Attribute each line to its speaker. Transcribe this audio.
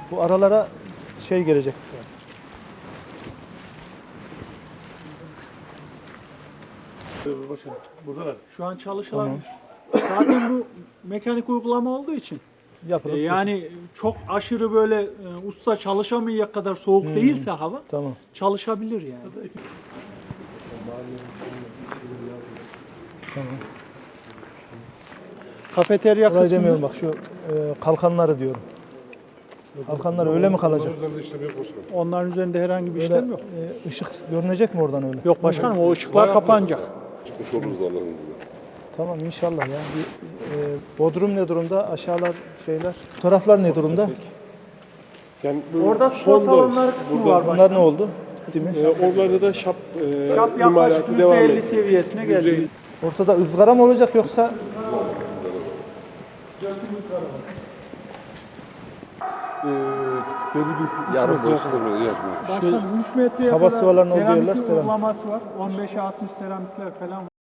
Speaker 1: Bu aralara şey gelecek.
Speaker 2: Başkanım, buradalar.
Speaker 3: Şu an çalışılabilir. Zaten bu mekanik uygulama olduğu için
Speaker 1: Yapılıp
Speaker 3: yani çok aşırı böyle usta çalışamayacak kadar soğuk değilse hava
Speaker 1: tamam.
Speaker 3: çalışabilir yani.
Speaker 1: Tamam.
Speaker 3: Kafeterya
Speaker 1: Orayı
Speaker 3: kısmında
Speaker 1: demiyorum bak şu kalkanları diyorum. Kalkanlar öyle mi kalacak?
Speaker 2: Üzerinde işlem yok başkanım.
Speaker 3: onların üzerinde herhangi bir
Speaker 1: Öyle
Speaker 3: işlem yok.
Speaker 1: ışık görünecek mi oradan öyle?
Speaker 3: Yok başkanım, o ışıklar kapanacak.
Speaker 2: Çıkmış oluruz Allah'ın izniyle.
Speaker 1: Tamam inşallah ya. Bodrum ne durumda? Aşağılar şeyler. Bu taraflar ne durumda?
Speaker 2: Yani
Speaker 3: Orada spor salonları kısmı var
Speaker 1: Bunlar
Speaker 3: başkanım.
Speaker 1: ne oldu? Değil mi?
Speaker 2: Oralarda da şap
Speaker 3: Yap yaklaşık
Speaker 2: imalatı devam
Speaker 3: %50
Speaker 2: ediyor.
Speaker 3: seviyesine geldi.
Speaker 1: Ortada ızgara mı olacak yoksa
Speaker 2: Belli bir yarım boşlukta yapmıyor.
Speaker 3: Başkanım 3 metreye
Speaker 1: Hava
Speaker 3: kadar
Speaker 1: sıvalarının olduğu
Speaker 3: seramik
Speaker 1: yerler seramik.
Speaker 3: uygulaması var. 15'e 60 seramikler falan var.